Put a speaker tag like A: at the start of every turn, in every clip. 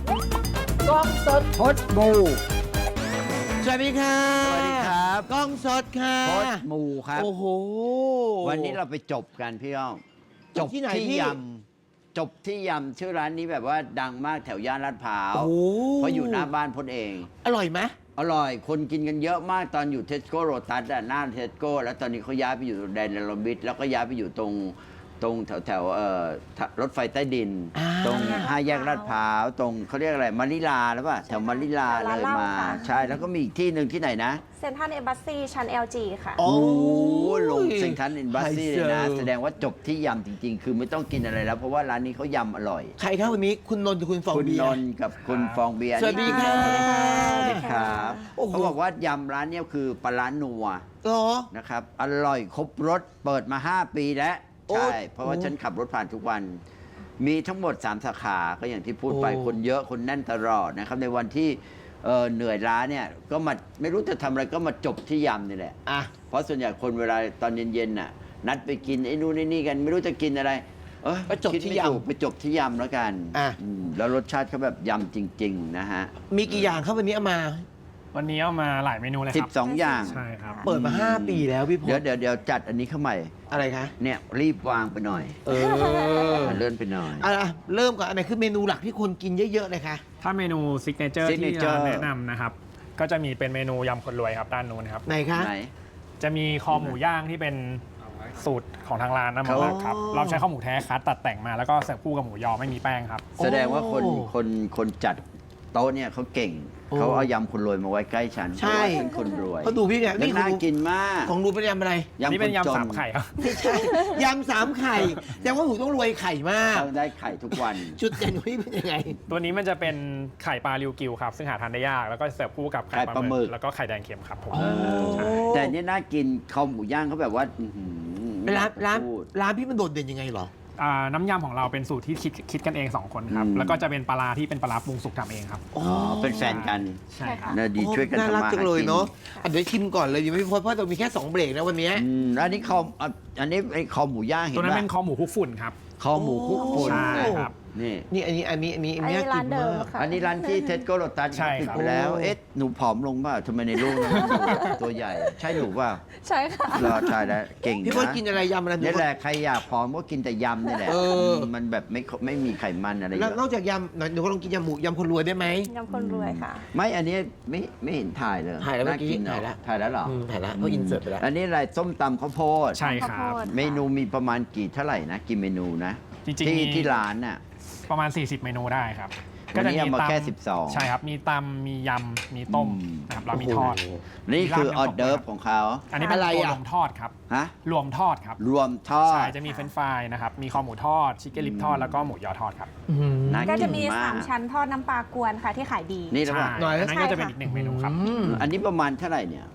A: กล้องสด
B: พดมู
A: สวัสดีค่ะ
B: สวัสดีครับ
A: กล้องสดค่ะ
B: พดมูครับ
A: โอ้โห
B: วันนี้เราไปจบกันพี่อ้อม
A: จบที่ไหนพี่
B: ยำจบที่ยำชื่อร้านนี้แบบว่าดังมากแถวย่านลาดพร้าว
A: โอ้
B: เพราะอยู่หน้าบ้านพดเอง
A: อร่อยไหม
B: อร่อยคนกินกันเยอะมากตอนอยู่เทสโก้โรตัสหน้าเทสโก้แล้วตอนนี้เขาย้ายไปอยู่แดนเนลมิดแล้วก็ย้ายไปอยู่ตรงแถวรถไฟใต้ดิน ตรงห้าแยกลาดพร้าวตรงเขาเรียกอะไรมาริลาหรือเปล่าแถวมาริลาเลยมาใช่แล้วก็มีอีกที่หนึ่งที่ไหนนะ
C: เซ็นทรัลเอมบ s สซีชั้น LG ค่ะ
A: โอ้
B: โอ้ลงเซ็นทรัลอินบัสซี่เลยนะ
A: ไฮโซ
B: แสดงว่าจบที่ยำจริง ๆ คือไม่ต้องกินอะไรแล้ว เพราะว่าร้านนี้เขายำอร่อย
A: ใครครับวันนี้คุณนนท์กับคุณฟอง
B: คุณ
A: เบีย
B: น
A: ร์
B: นท์กับคุณฟองเบียร์
A: สวัสดีค่ะ
B: สวัสดีครับ
A: โอ้โห
B: เขาบอกว่ายำร้านเนี้ยคือปลาร้านัว
A: เหรอ
B: นะครับอร่อยครบรสเปิดมา 5 ปีแล้ว
A: โอ้
B: ใช่เพราะว่าฉันขับรถผ่านทุกวัน มีทั้งหมด 3 สาขาก็อย่างที่พูดไป
A: โอ้
B: คนเยอะคนแน่นตลอดนะครับในวันที่เหนื่อยล้าเนี่ยก็มาไม่รู้จะทำอะไรก็มาจบที่ยำนี่แหละ
A: อ่ะ
B: เพราะส่วนใหญ่คนเวลาตอนเย็นๆน่ะนัดไปกินไอ้นู่นไอ้นี่กันไม่รู้จะกินอะไร
A: ไปจบ
B: คิด
A: ที่
B: ไม่ถูก
A: ยำ
B: ไปจบที่ยำแล้วกัน
A: อ่ะ
B: แล้วรสชาติเขาแบบยำจริง ๆ นะฮะ
A: มีกี่อย่างครับวันนี้เอามา
D: วันนี้เอามาหลายเมนูเลยครับ
B: 12 อย่าง
D: ใช่ครับ
A: เปิดมา 5 ปีแล้วพี่พ
B: เดี๋ยว
A: ศ
B: เดี๋ยวจัดอันนี้เข้าใหม่
A: อะไรคะ
B: เนี่ยรีบวางไปหน่อย
A: เออ
B: เลื่อนไปหน่อย
A: อ่ะเริ่มก่อนอันไหนคือเมนูหลักที่คนกินเยอะๆเลยคะ
D: ถ้าเมนูซิกเนเจอร์ที่
B: Signature
D: ร้านแนะนำนะครับ ก็จะมีเป็นเมนูยำคนรวยครับด้านนู้นครับ
A: ไหนคะ
B: ไหน
D: จะมีคอหมูย่างที่เป็นสูตรของทางร้านนะ
B: เขา
D: มาครับ เราใช้ข้าวหมูแท้คัดตัดแต่งมาแล้วก็เสิร์ฟคู่กับหมูยอไม่มีแป้งครับ
B: แสดงว่าคน
A: โอ้
B: คนจัดโต๊ะเนี่ยเขาเก่ง
A: โอ้
B: เขาเอายำคนรวยมาไว้ใกล้ฉัน
A: ใช่
B: เพราะว่าฉันคนรวย
A: เขาดูพี่เนี่ย
B: แล้ว
A: นี่
B: น่ากินมาก
A: ของดูเป็นยำอะไร
D: อันนี้เป็น
B: คจ
D: ยำสามไข่ครับ
A: ไม่ใช่ยำ3 ไข่แต่ว่าหนูต้องรวยไข่มาก
B: เขาได้ไข่ทุกวัน
A: จุดเด่นของพี่เป็นยังไง
D: ตัวนี้มันจะเป็นไข่ปลาริวกิวครับ ซึ่งหาทานได้ยาก แล้วก็เสิร์ฟคู่กับไข่
B: ไข่
D: ป
B: ปลา
D: ลา
B: ห
D: ห
B: มึ
D: มึ
B: ก
D: กแล้วก็ไข่แดงเค็มครับผม
B: แต่อันนี่น่ากินข้าวหมูย่างเขาแบบว่าอื้อหือ
A: ร้าน
B: พูด
A: ร้านพี่มันโดดเด่นยังไงเหรอ
D: น้ำยำของเราเป็นสูตรที่คิดกันเอง 2 คนครับ
B: อืม
D: แล้วก็จะเป็นปลาร้าที่เป็นปลาร้าปรุงสุกทำเองครับ
B: อ๋อเป็นแฟนกัน
D: ใช่ครับ
B: นะดีช่วยกัน
A: น่า
B: ทำ
A: รัก
B: มาหา
A: จังเลย
B: กิน
A: เนาะอ่ะเดี๋ยวชิมก่อนเลยยังไม่พอเพราะเรามีแค่ 2 เบรกนะวันเนี้ย
B: อันนี้ข้าวอันนี้ไอ้ข้าวหมูย่างเห็น
D: ตัวนั้น
B: ป่ะ
D: เป็นคอหมูคลุกฝุ่นครับ
B: ข้าวหมูคลุกฝุ่น
D: ใช่ครับ
B: นี่
A: นี่อันนี้
C: อัน
A: น่า
C: นี้
A: กิ
C: ร้าน
A: น
C: เดิ
A: มาม ก
C: ค่ะ
B: อันนี้ร้านที่เทสโก้โรตัส
D: ใช่
B: ปิด
D: ครับ
B: ไปแล้ว
A: โอ้
B: เอ๊ะหนูผอมลงเปล่าทำไมในรูปตัวใหญ่ ใช่หนูเปล่า
C: ใช่ค่ะ
B: รอใช่แล้วเก่ง
A: พี่พศ
B: นะ
A: กินอะไรยำอะไร
B: นี่แหละใครอยากผอมก็กินแต่ยำนี่แหละ
A: เออ
B: มันแบบไม่มีไขมันอะไรเย
A: แล้วนอ
B: อะ
A: กจากยำหนูก็ลองกินยำหมูยำคนรวยได้ไหม
C: ยำคนรวยค่ะ
B: ไม่อันนี้ไม่เห็นถ่ายเลย
A: ถ่ายแล้วเมื่อกี้
B: น่น
A: ถ่ายแล้ว
B: ถ่ายแล้วเหรอ
A: ถ่ายแล้วเขาอินเสิร์ตไปแล้ว
B: อันนี้อะไรส้มตำข้าวโพด
D: ใช่ครับ
C: ข้าวโพด
B: เมนูมีประมาณเท่าไหร่นะกี่เมนูนะ
D: จริงๆมี
B: ที่ร้านน่ะ
D: ประมาณ 40 เมนูได้ครับ
B: วันนี้เอามาแค่12
D: ใช่ครับ มีตำมียำ มีต้ม
B: อืม
D: นะครับเรามีทอด
A: โโห
B: นี่คือออเดิร์ฟของเขา
D: อันนี้เป็น
A: อะไร
D: ตัว
A: อ่ะ
D: รวมทอดครับ
B: ฮะ
D: รวมทอดครับ
B: รวมทอ
D: ใช่
B: ด
D: จะมีเฟรนช์ฟรายนะครับ มีคอหมูทอด ชิคเก้นลิปทอด แล้วก็หมูยอทอดครับ
A: อื้อหือ
B: น่า
C: ก็จะมี
B: กินมาก
C: 3 ชั้นทอดน้ำปลากวนค่ะที่ขายดี
B: นี่หรือเปล่า
A: หน่อย
D: อันนั้นก็จะเป็น
C: ใช่ค่ะ
D: อีกหนึ่งเมนูครับ
B: อันนี้ประมาณเท่าไหร่เนี่ย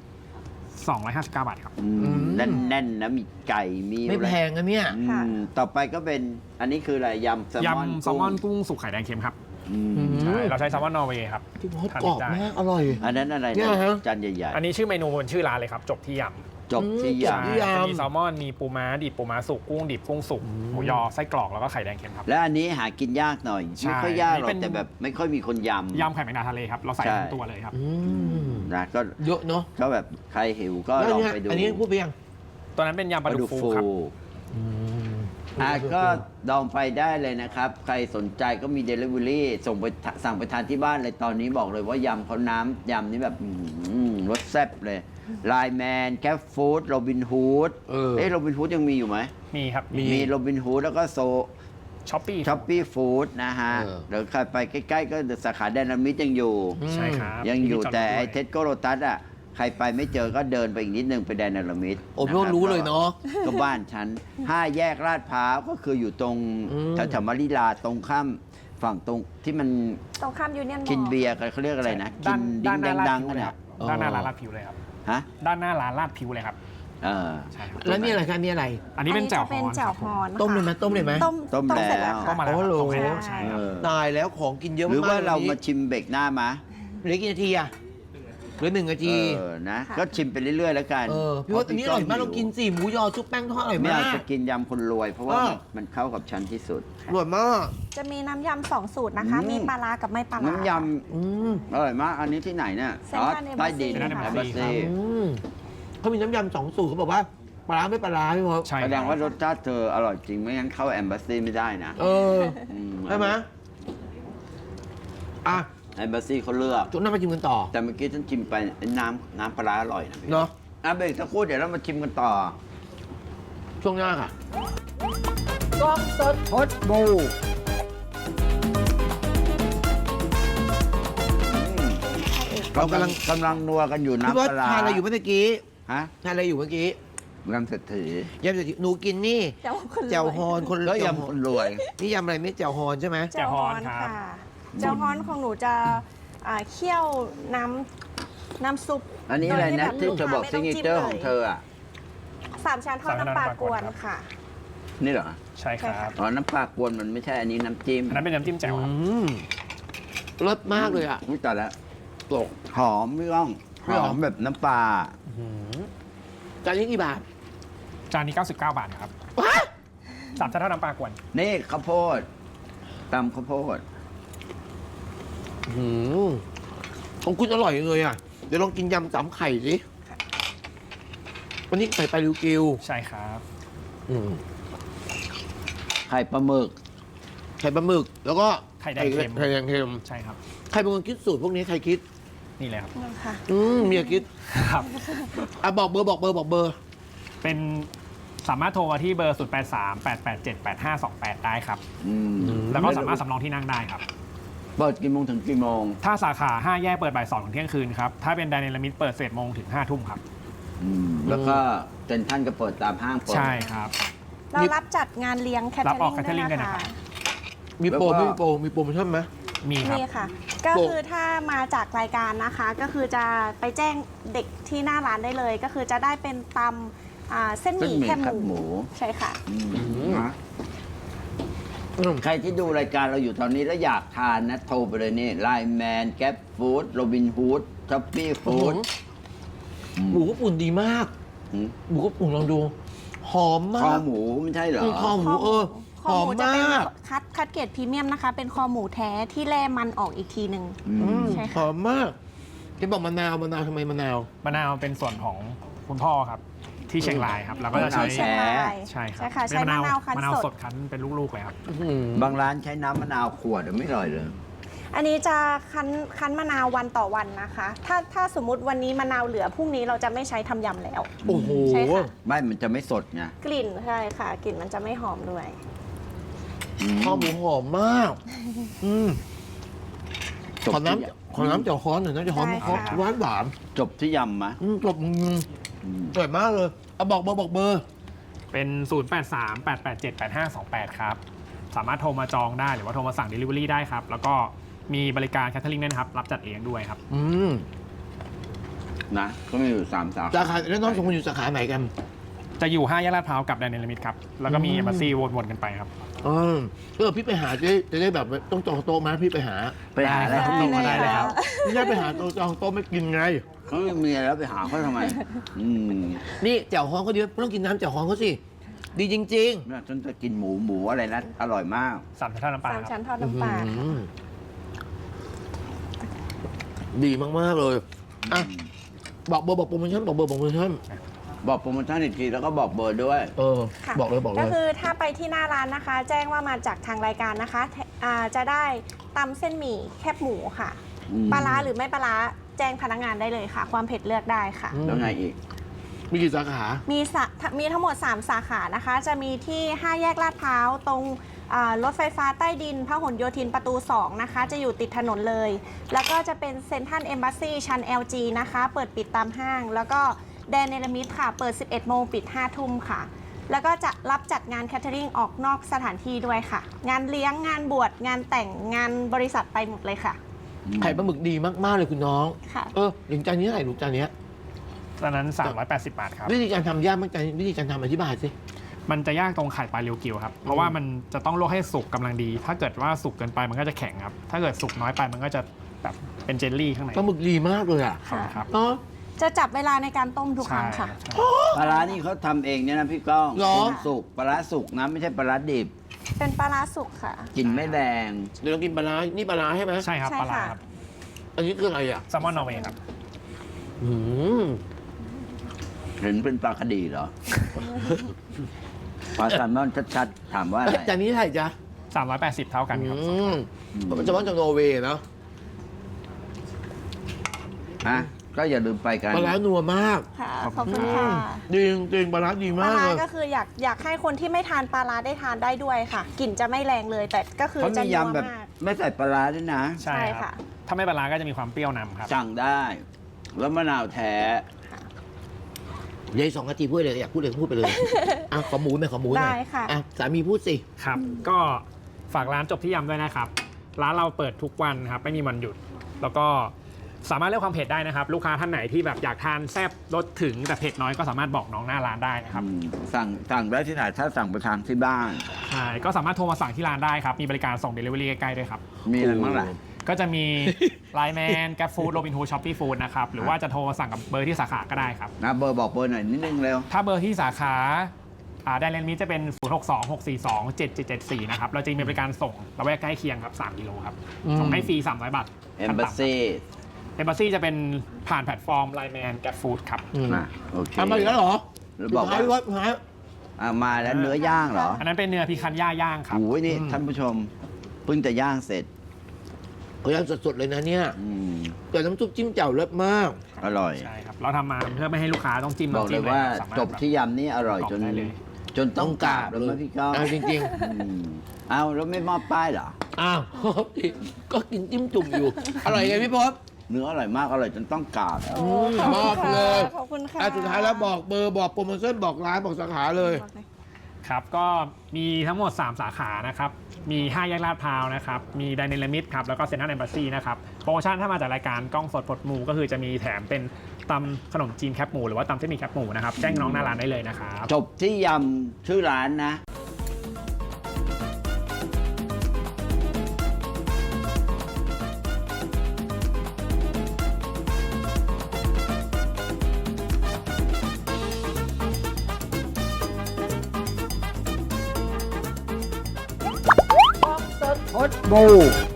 D: 259 บาทครับ
B: แน่นๆนะมีไก่มี
A: ไม่
B: อะไร
A: แพงนะเนี่ย
B: อืมต่อไปก็เป็นอันนี้คืออะไรยำแซลมอน
D: ยำแซลมอนกุ้งสุกไข่แดงเค็มครับ
B: อืม
D: ใช่ เราใช้แซลมอนนอร์เวย์ครับ
A: พี่พศ
D: ทาน
A: กรอบ
D: ได้
A: มากอร่อย
B: อันนั้นอะไร
A: เนี่
B: นะ
A: ยฮะ
B: จานใหญ่
D: อันนี้ชื่อเมนูบนชื่อร้านเลยครับ จบที่ย
B: ๆ จบที่
A: จบ
B: ยำ
A: ที่
D: ำ
A: ยำ
D: จะมีแซลมอน มีปูม้าดิบปูม้าสุกกุ้งดิบกุ้งสุก หมูยอไส้กรอกแล้วก็ไข่แดงเค็มครับ
B: และอันนี้หากินยากหน่อย
D: ใช่
B: ไม่ค่อยยากหรอ
D: นี่เป็
B: ก
D: น
B: แต่แบบไม่ค่อยมีคนยำ
D: ยำไข่แมงดาทะเลครับ เราใส่
B: ใช่
D: ทั้งตัวเลยครับ
A: อืม
B: นะก็
A: เยอะเนาะ
B: ก็แบบใครหิวก็
A: แล้ว
B: ลอง
A: เนี่ย
B: ไปดู
A: อันนี้พูดไปยัง
D: ตัวนั้นเป็นยำปลาดุกฟูครับ
B: ก็ลองไปได้เลยนะครับ ใครสนใจก็มี Delivery ส่งไปสั่งไปทานที่บ้านเลยตอนนี้บอกเลยว่ายำเขาน้ำยำนี่แบบรสแซ่บเลยไลแมนแคฟฟู้ดโรบินฮูด โรบินฮูดยังมีอยู่ไหม
D: มีครับ
B: มีโรบินฮูดแล้วก็โซ
D: ช้อปปี้
B: ช้อปปี้ฟู้ดนะฮะเดี๋ยวใครไปใกล้ๆก็สาขาแดนามิดยังอยู่
D: ใช่ครับ
B: ยังอยู่
D: มีจด
B: แต่ไอ้
D: ด้วย
B: เทสโกโรตัสอ่ะใครไปไม่เจอก็เดินไปอีกนิดนึงไปแดนนามิด
A: โอ้พี่พศรู้เลยเนาะ
B: ก็บ้านฉัน5 แยกลาดพร้าวก็คืออยู่ตรง
A: อืม
B: แถวๆมาริลาตรงข้ามฝั่งตรงที่มัน
C: ตรงข้ามยูเนียน
B: กินเบียร์กันเขาเรียกอะไรนะ กินดิ้ง
D: ด้านหน้า
B: ดั
D: ลาง ด
B: ๆ
D: ผิ
B: กั
D: วน เลย
B: เนี่
D: ค
B: ย
D: รับด้านหน้าร้านลาดผิวเลยครับ
B: ฮะ
D: ด้านหน้าร้านลาดผิวเลยครับ
B: เออ
D: ใช่ครับ
A: แล้วนี่อะไรคะนี่อะไร
D: อันนี้เป็นแจ่วฮ
C: เป็น
D: อน
C: แจ่ว
D: ครับ
C: ฮอน
A: ต้มเลยไหมต้มเลยไหม
C: ต้มเสร็จแล้ว
D: ก็
C: ค่ะ
D: มาแล้ว
A: โอ้โห
D: ตรงนี้ใช่ครับ
B: เออ
A: ตายแล้วของกินเยอะ
B: หรือ
A: มาก
B: ว่าเรา
A: วันนี้
B: มาชิมเบรกหน้ามา
A: เหลือกี่นาทีอะเหลือ1 นาที
B: นะ
C: ค่ะ
B: ก็ชิมไปเรื่อยๆแล้วกัน
A: พี่ว่าอันนี้อร่อยมากเรากินสิหมูยอซุปแป้งทอดอร่อย
B: ไม่
A: มา
B: เอา
A: ก
B: จะกินยำคนรวย เพราะว่า
A: เออ
B: มันเข้ากับฉันที่สุด
A: อร่อยมาก
C: จะมีน้ำยำ2 สูตรนะคะ มีปลาร้ากับไม่ปลาร้า
B: น้ำย
A: อืม
B: ำอร่อยมาก อันนี้ที่ไหนเนี่ย
C: เซ็นทรัล
B: ใต้ดิน
C: Embassy
B: แอมบาซี
A: อืมเขามีน้ำยำ2 สูตรเขาบอกว่าปลาร้าไม่ปลาร้าพี่พศ
D: ใช่
B: แสดง
D: ค
B: ว่า
D: รับ
B: รสชาติเธออร่อยจริงไม่งั้นเข้าแอมบาซีไม่ได้นะ
A: ม
B: ม
A: ใช่ไหมอ่ะ
B: แอมบาซีเขาเลือก
A: จุดหน้ามาชิมกันต่อ
B: แต่เมื่อกี้ฉันชิมไปน้ำปลาร้าอร่อยนะพี่
A: เนาะ
B: เบรกสักครู่เดี๋ยวเรามาชิมกันต่อ
A: ช่วงหน้าค่ะกล้องสด
B: พดบู
A: เรากำลัง
B: กำลังนัวกันอยู่
A: พี่พ
B: น้ำ
A: ศ
B: ปลาร้า
A: ทานอะไรอยู่เมื่อกี้
B: ฮะ
A: ทานอะไรอยู่เมื่อกี้
B: ยำเศรษฐี
A: ยำเสร็จหนูกินนี่
C: เจ้าคนรวย
A: แจ่วฮอนคน
B: ก็
A: แจ่วย
B: ำคนรวย
A: นี่ยำอะไรไม่แจ่วฮอนใช่ไหม
C: เจ้าฮอนค่ะเจ้าฮอนของหนูจะเคี่ยวน้ำซุป
B: อันนี้อะไรนะ
C: โดย
B: ที่
C: แบบ
B: เธอบอก
C: ลู
B: ซิ
C: ค้าก
B: เน
C: ไม่
B: เจอร์
C: ต้
B: ของเธออ่ะ
C: 3 ชั้นทอดน้ำปลากวนค่ะ
B: นี่เหรอ
D: ใช่ครับ
B: อ๋อ น้ำปลากวนมันไม่ใช่อันนี้น้ำจิ้ม
D: อันนั้นเป็นน้ำจิ้มแจ่วครับ
A: รสมากเลยอ่ะ
B: อุ้ยแต่ละตกหอมไม่ต้องห
A: ไม่หร
B: อ
A: อ
B: มแบบน้ำปลา
A: จานนี้กี่บาท
D: จานนี้ 99 บาทครับ
A: ว้า
D: สามชั้นทอดน้ำปลากวน
B: นี่ข้าวโพดตำข้าวโพด
A: ของคุณอร่อยเลยอ่ะ เดี๋ยวลองกินยำ3 ไข่สิ วันนี้ใส่ปลาลิวกิว
D: ใช่ครับ
B: ไข่ปลาหมึก
A: ไข่ปลาหมึก แล้วก็
D: ไข่แดงเค็ม
A: ไข่แดงเค็ม
D: ใช่ครับ
A: ใครเป็นคนคิดสูตรพวกนี้ใครคิด
D: นี่เลยครับ
C: นั่นค่ะ
A: เมียคิด
D: ครับ
A: อ่ะบอกเบอร์บอกเบอร์บอกเบอร์
D: เป็นสามารถโทรมาที่เบอร์ 0838878528 ได้ครับ แล้วก็สามารถสำรองที่นั่งได้ครับ
B: เปิดกี่โมงถึงกี่โมง
D: ถ้าสาขา 5 แยกเปิดบ่าย2ถึงเที่ยงคืนครับ ถ้าเป็นไดนามิตเปิด11 โมงถึง 5 ทุ่มครับ
B: แล้วก็เซ็นทรัลก็เปิดตามห้างเปิด
D: ใช่ครับ
C: เรารับจัดงานเลี้ยงแคท
D: รับ
C: เทอ
D: ออก
C: ริงด้วย
D: catering ด้วย
C: นะ
D: นะครั
C: คะ
D: บ
A: มีโปร
B: แล้วก็
A: ไม่มีโปรมีโปรโมชั่นไหม
D: มีครับ
C: นี่ค่ะ ก็คือถ้ามาจากรายการนะคะ ก็คือจะไปแจ้งเด็กที่หน้าร้านได้เลย ก็คือจะได้เป็นตำเส้นหมี่แคบหมู ใช่ค่ะ
B: นะใครที่ดูรายการเราอยู่ตอนนี้แล้วอยากทานนะ โทรไปเลยนี่ไลน์แมนแก๊ปฟู้ดโรบินฮูดช้อปปี้ฟู้ด
A: หมูก็ปุ่นดีมาก หมูก็ปุ่นลองดู หอม
B: ค
A: มา
B: อก หมูไม่ใช่เหรอ
A: คอหมูห
C: คอ
A: อ
C: ห
A: ม
C: มูจะเป็น
A: มาก
C: คัดเกรดพรีเมียมนะคะ เป็นคอหมูแท้ที่แล่มันออกอีกทีหนึ่ง ใช่ค่ะ
A: หอมมากที่บอกมะนาวทำไมมะนาว
D: มะนาวเป็นส่วนของคุณพ่อครับ ที่เชียงรายครับ แล้วก็จะใช้
C: ที่เชียงราย
D: ใช่ครับ
C: ใช่ค่ะ
D: เป็
C: ใช้มะนาวคั้น
D: มะนาว
C: ส
D: ส
C: ด
D: ดคั้นเป็นลูกๆเลยครับ
B: บางร้านใช้น้ำมะนาวขวดไม่อร่อยเลย
C: อันนี้จะคั้นมะนาววันต่อวันนะคะ ถ้าสมมุติวันนี้มะนาวเหลือพรุ่งนี้เราจะไม่ใช้ทำยำแล้ว
A: โอ้โห
C: ใช่ค่ะ
B: ไม่มันจะไม่สดไง
C: กลิ่นใช่ค่ะ กลิ่นมันจะไม่หอมด้วย
A: คอหมูหอมมากขอน้ำเจียวฮ้อนหน่อยนะเจียวฮ้อน
C: ได้ค่ะ
A: หวานหวาน
B: จบที่ยำมะ
A: จบสวยมากเลยเอาบอกเบอร์บอกเบอร์
D: เป็น 0838878528 ครับ สามารถโทรมาจองได้หรือว่าโทรมาสั่ง Delivery ได้ครับ แล้วก็มีบริการแคทเทอริงด้วยนะครับ รับจัดเลี้ยงด้วยครับ
B: นะ ก็มีอยู่3 สา
A: สา
B: ขา
A: ขาแล้วน้องสองคนอยู่สาขาไหนกัน
D: จะอยู่ 5 แยกลาดพร้าวกับแดนเนลมิดครับ แล้วก็มีเอมบาซีวนๆกันไปครับ
A: พี่ไปหาจะได้แบบต้องจองโต๊ะมาพี่ไปหา
B: ไปหาอะไร
D: ได้
B: เขามี
D: มาได้เลยครับ
A: ไม่ได้ไปหาโต๊ะจองโต๊ะไม่กินไง
B: เขาไม่มีแล้วไปหาเขาทำไม
A: นี่แจ่วฮ้อนเขาดีไม่ต้องกินน้ำแจ่วฮ้อนเขาสิ ดีจริง
B: เนี่ยฉันจะกินหมูอะไรนะ อร่อยมาก
D: สามชั้นทอดน้ำปลา
C: สาม
D: ครับ
C: ชั้นทอดน้ำปลาค่ะ
A: ดีมากๆเลยอ่ะบอกเบอร์บอกโปรโมชั่นบอกเบอร์บอกโปรโมชั่น
B: บอกโปรโมชั่นอีกทีแล้วก็บอกเบอร์ด้วย
C: ค่ะ
A: บอกเลยบอกเล
C: ก็
A: ย
C: คือถ้าไปที่หน้าร้านนะคะ แจ้งว่ามาจากทางรายการนะคะจะได้ตำเส้นหมี่แคบหมูค่ะ ปลาร้าหรือไม่ปลาร้าแจ้งพนักงานได้เลยค่ะ ความเผ็ดเลือกได้ค่ะ
B: แล้วไงอีก
A: มีกี่สาขา
C: มีทั้งหมด 3 สาขานะคะ จะมีที่ 5 แยกลาดพร้าวตรงรถไฟฟ้าใต้ดินพหลโยธินประตู 2 นะคะ จะอยู่ติดถนนเลย แล้วก็จะเป็นเซ็นทรัลเอมบ s ซีชั้น LG นะคะ เปิดปิดตามห้าง แล้วก็แดนเนลมิดค่ะ เปิด 11 โมงปิด 5 ทุ่มค่ะ แล้วก็จะรับจัดงานแคทเทอริงออกนอกสถานที่ด้วยค่ะ งานเลี้ยงงานบวชงานแต่งงานบริษัทไปหมดเลยค่ะ
A: ไข่ปลาหมึกดีมากๆเลยคุณน้อง
C: ค่ะ
A: อย่างจานนี้เท่าไหร่ลูกจานเนี้ย
D: ตอนนั้น 380 บาทครับ
A: วิธีการทำยากมากจานวิธีการทำอธิบายสิ
D: มันจะยากตรงไข่ปลาเรียวกิวครับ เพราะว่ามันจะต้องลวกให้สุกกำลังดี ถ้าเกิดว่าสุกเกินไปมันก็จะแข็งครับ ถ้าเกิดสุกน้อยไปมันก็จะแบบเป็นเจลลี่ข้างใน
A: ปลาหมึกดีมากเลยอ่ะ
C: ค่ะ
D: ครับ
A: เนาะ
C: จะจับเวลาในการต้มทุกครั้งค่ะ
D: ใช่
B: ปลาร้านี่เขาทำเองเนี่ยนะพี่ก้อง
A: เหรอ
B: ปรุงสุกปลาร้าสุกนะไม่ใช่ปลาร้าดิบ
C: เป็นปลาร้าสุกค่ะ
B: กลิ่นไม่แรง
A: เดี๋ยวเรากินปลาร้านี่ปลาร้าใช่ไหม
D: ใช่ครับ
C: ใช่
D: ปลาร้า
C: ค่ะ
D: ครับ
A: อันนี้คืออะไรอ่ะ
D: แซลมอนนอร์เวย์ครับ
A: อืม
B: เห็นเป็นปลาคดีเหรอ ปลาแซลมอนชัดๆถามว่าอะไร
A: จานนี้เท่าไหร่จ๊ะ
D: 380 เท่ากันครับ
A: มันจะว่าจากนอร์เวย์เนาะ
B: ฮะก็อย่าลืมไปกัน
A: ปลาร้านัวมาก
C: ค่ะ ขอบคุณค่ะ
A: ดีจริงๆปลาร้าดี
C: ป
A: มา
C: ลาก ร้า
A: เลย
C: ก็คืออยากให้คนที่ไม่ทานปลาร้าได้ทานได้ด้วยค่ะ กลิ่นจะไม่แรงเลย แต่ก็คือ
B: เขา
C: จะ
B: มี
C: นัวย
B: ำแบบ
C: มาก
B: ไม่ใส่ปลาร้าด้วยนะ
D: ใช่
C: ใช่
D: ครั
C: ค่ะ
D: บ ถ้าไม่ปลาร้าก็จะมีความเปรี้ยวนำครับ
B: สั่งได้ แล้วมะนาวแท้
A: เดี๋ยวอีก2 นาทีพูดเลยอยากพูดเลยพูดไปเลย อ่ะขอหมูไหมขอหมูหน่อย
C: ได้ค่ะ
A: อ่ะสามีพูดสิ
D: ครับ ก็ฝากร้านจบที่ยำด้วยนะครับ ร้านเราเปิดทุกวันครับ ไม่มีวันหยุด แล้วก็สามารถเลือกความเผ็ดได้นะครับ ลูกค้าท่านไหนที่แบบอยากทานแซ่บรสถึงแต่เผ็ดน้อยก็สามารถบอกน้องหน้าร้านได้นะครับ
B: สั่งได้ที่ไหนถ้าสั่งไปทานที่บ้าน
D: ใช่ ก็สามารถโทรมาสั่งที่ร้านได้ครับ มีบริการส่ง Delivery ใกล้ๆด้วยครับ
B: มีอะไรบ้างล่ะ
D: ก็จะมี Line Man Grab Food Robinhood Shopee Food นะครับ หรือว่าจะโทรมาสั่งกับเบอร์ที่สาขาก็ได้ครับ
B: นะเบอร์บอกเบอร์หน่อยนิดนึงเร็ว
D: ถ้าเบอร์ที่สาขาแดนเลนมิจะเป็น 062-642-7774 นะครับ เราจะมีบริการส่งระแวกใกล้เคียงครับ 3 กิโลครับ ส่งให้ฟรี 300 บาท
B: Embassy
D: Embassy จะเป็นผ่านแพลตฟอร์ม Line Man Grab Food ครับ
B: นะโอเค
A: ทำมาอีกแล้วเหรอ
B: แล้วบอกว่า
A: พี่วัดหาย
B: มาแล้วเนื้อย่างเหรอ
D: อันนั้นเป็นเนื้อพิคันย่าย่างครับ
B: โอ้ยนี่ท่านผู้ชมเพิ่งจะย่างเสร็จ
A: เขาย่างสดๆเลยนะเนี่ย
B: อืม
A: แต่น้ำซุปจิ้มแจ่วเลิศมาก
B: อร่อย
D: ใช่ครับ เราทำมาเพื่อไม่ให้ลูกค้าต้องจิ้ม
B: บอก
D: น้ำ
B: เล
D: จิ้
B: ย
D: มเลย
B: ว่า
D: ครับสามารถ
B: จบที่ยำนี่อร่อยจน
D: บอกได้เลย
B: จนต้องกราบแล้วมั้ยพี่ก้อง
A: เอาจริง
B: อืมเอาแล้วไม่มอบป้ายเหรอ
A: ๆ อ้าว ก็กินจิ้มจุ่มอยู่ อร่อยไงพี่พศ
B: เนื้ออร่อยมากอร่อยจนต้องกราบ
A: มอบเลย
C: ขอบคุณค่ะ
A: อ่ะสุดท้ายแล้วบอกเบอร์บอกโปรโมชั่นบอกร้านบอกสาขาเลย
D: ครับ ก็มีทั้งหมด 3 สาขานะครับ มี 5 แยกลาดพร้าวนะครับ มีไดเนลมิดครับ แล้วก็เซ็นทรัลแอมบาซีนะครับ โปรโมชั่นถ้ามาจากรายการกล้องสดปลดหมูก็คือจะมีแถมเป็นตำขนมจีนแคบหมูหรือว่าตำเส้นหมี่แคบหมูนะครับ แจ้งน้องหน้าร้านได้เลยนะครับ
B: จบที่ยำชื่อร้านนะ พดบู